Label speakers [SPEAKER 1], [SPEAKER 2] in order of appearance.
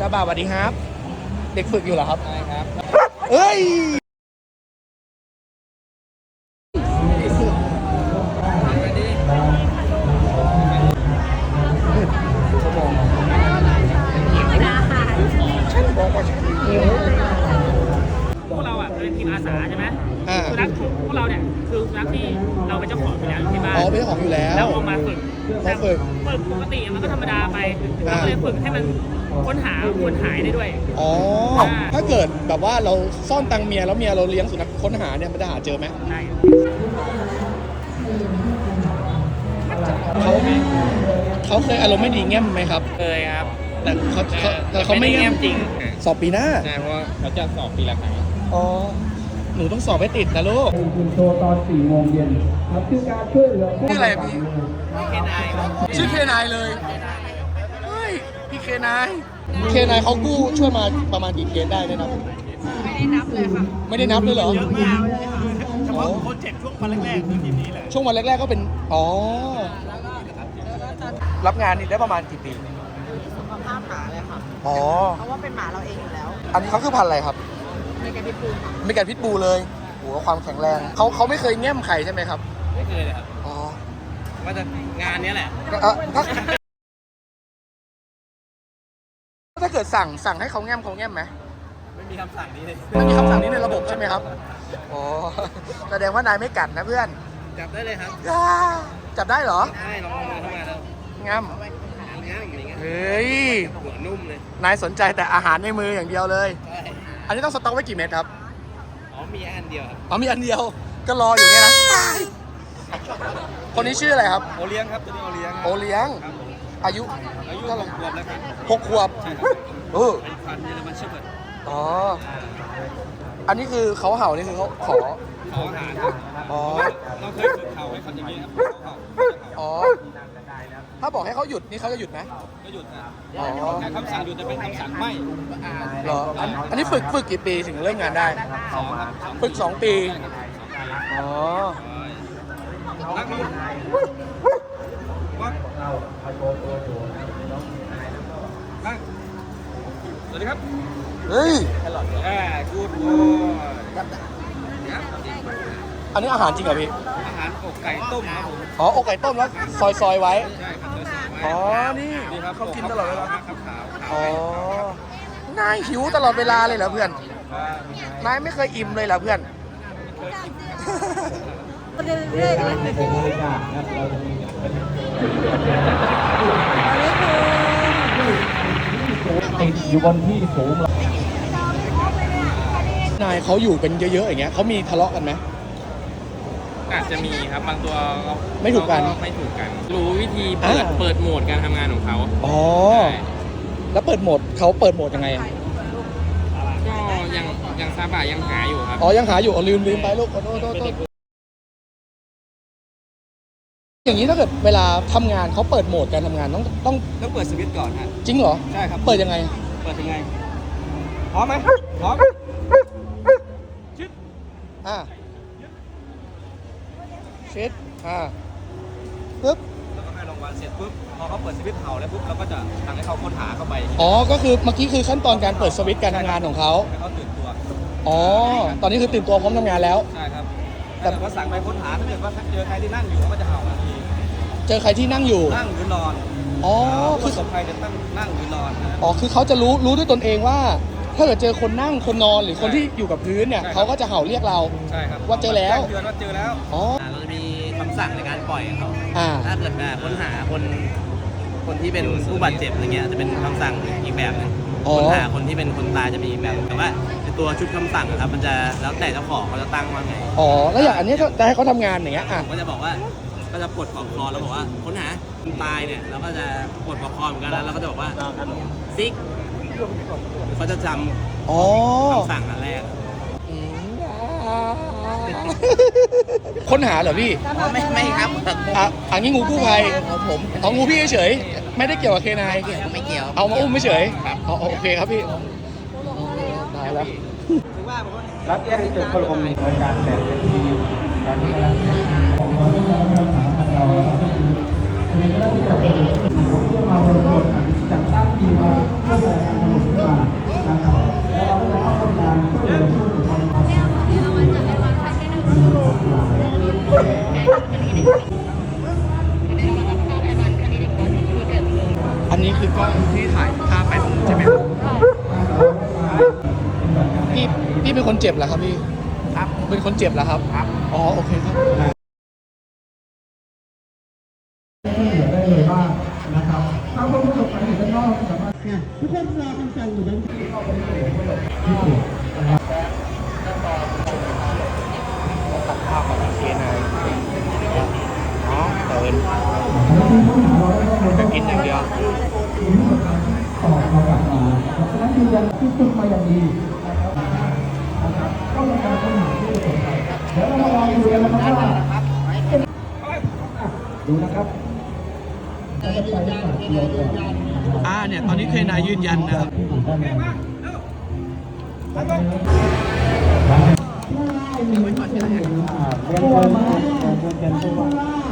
[SPEAKER 1] าบาสวัสดีครับเด็กฝึกอยู่เหรอครับ
[SPEAKER 2] ใช่ครับ
[SPEAKER 1] เอ้ย
[SPEAKER 3] พวกเราอ่ะเป็นทีมอาสาใช่ไหมสุนัขพวกเราเนี่ยคือสุนัขที่เราเป็นเจ้าของอยู่แล้วที่บ้าน
[SPEAKER 1] อ๋อเป็นเจ้าของอยู่แล้ว
[SPEAKER 3] แล้วเอามาฝึก
[SPEAKER 1] เขาฝึก
[SPEAKER 3] ปกติมันก็ธรรมดาไปเราก็เลยฝึกให้มันค้นหาคนหายได้ด้วย
[SPEAKER 1] อ๋อถ้าเกิดแบบว่าเราซ่อนตังเมียแล้วเมียเราเลี้ยงสุนัขค้นหาเนี่ยมันจะหาเจอไหม
[SPEAKER 3] ใช่
[SPEAKER 1] เขาเคยอารมณ์ไม่ดีแง้มไหมครับ
[SPEAKER 3] เคยครับ
[SPEAKER 1] แต่เขาไม่แง้ม
[SPEAKER 3] จริง
[SPEAKER 1] สอบปีหน้า
[SPEAKER 2] ใช่เพราะว่าเขาจะสอบปีละครั้ง
[SPEAKER 1] อ๋อหนูต้องสอบให้ติดนะลูก
[SPEAKER 4] คุณโชว์ตอน4 โมงเย็นครับคือการช่วยเหลือผู้
[SPEAKER 1] ชื่ออะไรพี่
[SPEAKER 3] เคนาย
[SPEAKER 1] ชื่อเคนายเลยเฮ้ยพี่เคนายเขากู้ช่วยมาประมาณกี่เคสได้ได้นับ
[SPEAKER 5] ไม่ได้นับเลยค่ะ
[SPEAKER 1] ไม่ได้นับเลยเหรอ
[SPEAKER 5] เยอะมากเลยค่ะ
[SPEAKER 3] เฉพาะโปรเจกต์ช่วงวันแรกๆคือทีมนี้แหละ
[SPEAKER 1] ช่วงวันแรกๆก็เป็นอ๋อรับงานนี่ได้ประมาณกี่ปี
[SPEAKER 5] สุขภาพหมาเลยค่ะ
[SPEAKER 1] อ๋อ
[SPEAKER 5] เพราะว่าเป็นหมาเราเองอยู่แล้ว
[SPEAKER 1] อันนี้เขาคือพันธุ์อะไรครับ
[SPEAKER 5] เมกาพิทบูล
[SPEAKER 1] เมกาพิทบูลเลยโหความแข็งแรงเขาไม่เคยแง้มใครใช่ไหมครับ
[SPEAKER 3] ไม่เคยเลยครับ
[SPEAKER 1] อ๋อ
[SPEAKER 3] ว่าจะงานนี้แหละ
[SPEAKER 1] ถ้าเกิดสั่งให้เขาแง้มไหม
[SPEAKER 3] ไม่มีคำสั่งนี้เลย
[SPEAKER 1] ไม่มีคำสั่งนี้ในระบบใช่ไหมครับอ๋อแสดงว่านายไม่กัดนะเพื่อน
[SPEAKER 3] จับได้เลยครับ
[SPEAKER 1] จับได้เหรอ
[SPEAKER 3] ได้ลองมือเข้ามาแล้ว
[SPEAKER 1] ง้มเฮ้ย
[SPEAKER 3] หัวนุ่มเลย
[SPEAKER 1] นายสนใจแต่อาหารในมืออย่างเดียวเลยอันนี้ต้องสต็อกไว้กี่เม็ดครับ
[SPEAKER 3] มีอันเดียว
[SPEAKER 1] อ๋อมีอันเดียวก็รออยู่เนี่ยนะคนนี้ชื่ออะไรครับ
[SPEAKER 3] โอเลี้ยงครับตัวนี้โอเลี้ยง
[SPEAKER 1] โอเลี้ยงอายุ
[SPEAKER 3] เท่าไหร่ขวบแล้วครับ
[SPEAKER 1] 6 ขวบเป็น
[SPEAKER 3] พันธุ์เยอรมันเชฟเบิร์ด
[SPEAKER 1] อ๋ออันนี้คือเขาเห่านี่คือเขาขอ
[SPEAKER 3] อาหาร
[SPEAKER 1] อ๋อ
[SPEAKER 3] เราเคยฝึกเขาให้เขาอย่างนี้ครับ
[SPEAKER 1] อ๋อถ้าบอกให้เขาหยุดนี่เขาจะหยุดไหม
[SPEAKER 3] ก็หยุดนะแต่คำสั่งหยุดจะเป็นคำสั่งไม่
[SPEAKER 1] เหรออันนี้ฝึกกี่ปีถึงเริ่มงานได้ฝึก2 ปีอ๋อ
[SPEAKER 3] นักบุญสวัสดีครับ
[SPEAKER 1] เฮ้ย
[SPEAKER 3] กูด
[SPEAKER 1] อันนี้อาหารจริงเหรอพี่
[SPEAKER 3] อาหารอกไก่ต้มครับผม
[SPEAKER 1] อ๋ออกไก่ต้มแล้วซอยไว้
[SPEAKER 3] ใช่ครับ
[SPEAKER 1] อ๋อนี่เขากินตลอดเวลาอ๋อนายหิวตลอดเวลาเลยเหรอเพื่อนนายไม่เคยอิ่มเลยเหรอเพื่อน
[SPEAKER 5] เรื่อยๆเลย
[SPEAKER 4] ติดอยู่บนที่สูง
[SPEAKER 1] นายเขาอยู่กันเยอะๆอย่างเงี้ยเขามีทะเลาะกันไหม
[SPEAKER 3] อาจจะมีครับบางตัว
[SPEAKER 1] ไม่ถูกกัน
[SPEAKER 3] รู้วิธีเปิดโหมดการทำงานของเขา
[SPEAKER 1] อ๋อแล้วเปิดโหมดเขาเปิดโหมดยังไง
[SPEAKER 3] ก็ยังซาบะยังหาอยู่ครับ
[SPEAKER 1] อ๋อยังหาอยู่ลืมไปลูกโทษอย่างนี้ถ้าเกิดเวลาทำงานเขาเปิดโหมดการทำงานต้อง
[SPEAKER 3] เปิดสวิตช์ก่อนฮะ
[SPEAKER 1] จริงเหรอ
[SPEAKER 3] ใช่ครับ
[SPEAKER 1] เปิดยังไง
[SPEAKER 3] พร้อมไหมพร้อม
[SPEAKER 1] ชิดปึ๊บ
[SPEAKER 3] แล้วก็ให้รางวัลเสร็จปุ๊บพอเขาเปิดสวิตช์เผาแล้วปุ๊บเราก็จะสั่งให้เขาค้นหาเข้าไป
[SPEAKER 1] อ๋อก็คือเมื่อกี้คือขั้นตอนการเปิดสวิตช์การทำงานของเขา
[SPEAKER 3] ให้เขาตื่นตัว
[SPEAKER 1] อ๋อตอนนี้คือตื่นตัวพร้อมทำงานแล้ว
[SPEAKER 3] ใช่ครับแต่ว่าสั่งไปค้นหาถ้าเกิดว่าเจอใครที่นั่งอยู่เขาก็จะเห่าทันที
[SPEAKER 1] เจอใครที่นั่งอยู่
[SPEAKER 3] นั่งหรือนอน
[SPEAKER 1] อ๋อ
[SPEAKER 3] คือสมใครจะนั่งหรือนอน
[SPEAKER 1] อ๋อคือเขาจะรู้ด้วยตนเองว่าถ้าเกิดเจอคนนั่งคนนอนหรือคนที่อยู่กับพื้นเนี่ยเขาก็จะเห่าเรียกเรา
[SPEAKER 3] ใช่ครับ
[SPEAKER 1] ว่าเจอแล้ว
[SPEAKER 3] เตือนว่าเจอแล้ว
[SPEAKER 1] อ๋อ
[SPEAKER 3] เราจะมีคำสั่งในการปล่อยเขาถ้าเกิดค้นหาคนที่เป็นผู้บาดเจ็บอะไรเงี้ยจะเป็นคำสั่งอีกแบบนึงค้นหาคนที่เป็นคนตายจะมีอีกแบบแต่ว่าตัวชุดคำสั่งครับมันจะแล้วแต่เจ้าของเขาจะตั้งว่าไง
[SPEAKER 1] อ๋อแล้วอย่างอันนี้จะให้เขาทำงานอย่างเงี้ย
[SPEAKER 3] ก็จะบอกว่าก็จะปลดปลอกคอแล้วบอกว่าค้นหาคนตายเนี่ยเราก็จะปลดปลอกคอเหมือนกันแล้วเราก็จะบอกว่าซิกเขาจะจำคำสั่งอันแรก
[SPEAKER 1] ค้นหาเหรอพี่
[SPEAKER 3] ไม่ครับ
[SPEAKER 1] อันนี้งูกู้ภัยผมเอางูพี่เฉยไม่ได้เกี่ยวกับเคนาย
[SPEAKER 3] ไม่เกี่ยว
[SPEAKER 1] เอามาอุ้มไม่เฉยโอเคครับพี่ตายแล้ว
[SPEAKER 4] รับแจ้งให้เกิดคนในการแบ่งเป็นทีมการที่เราจัดตั้งทีมมาเพื่อ
[SPEAKER 1] เป็นคนเจ็บเหรอครับพี่
[SPEAKER 3] ครับ
[SPEAKER 1] เป็นคนเจ็บเหรอครับ
[SPEAKER 3] ครับ
[SPEAKER 1] อ๋อโอเคครับ
[SPEAKER 4] ได้เลยบ้างนะครับถ้าคนประสบภัยอยู่ด้านนอกสามารถทุกคนรอคำสั่งอยู่นั้นที่เข้าไปที่นะครับ
[SPEAKER 1] ตัดภาพของเคนายอ๋อเตินจะกินอย่างเดียว
[SPEAKER 4] ต่อเรากลับมาเพราะฉะนั้นยืนยันที่ฝึกมาอย่างดีนะครับก็เป็นการค้นหาที่สำคัญเดี๋ยวเรามาลองดูกันนะครับว่าดูนะครับจะไปที่ปากเดียวก่อน
[SPEAKER 1] เนี่ยตอนนี้เคนายยืนยันนะครับ
[SPEAKER 4] เรียนเชิญผู้ว่า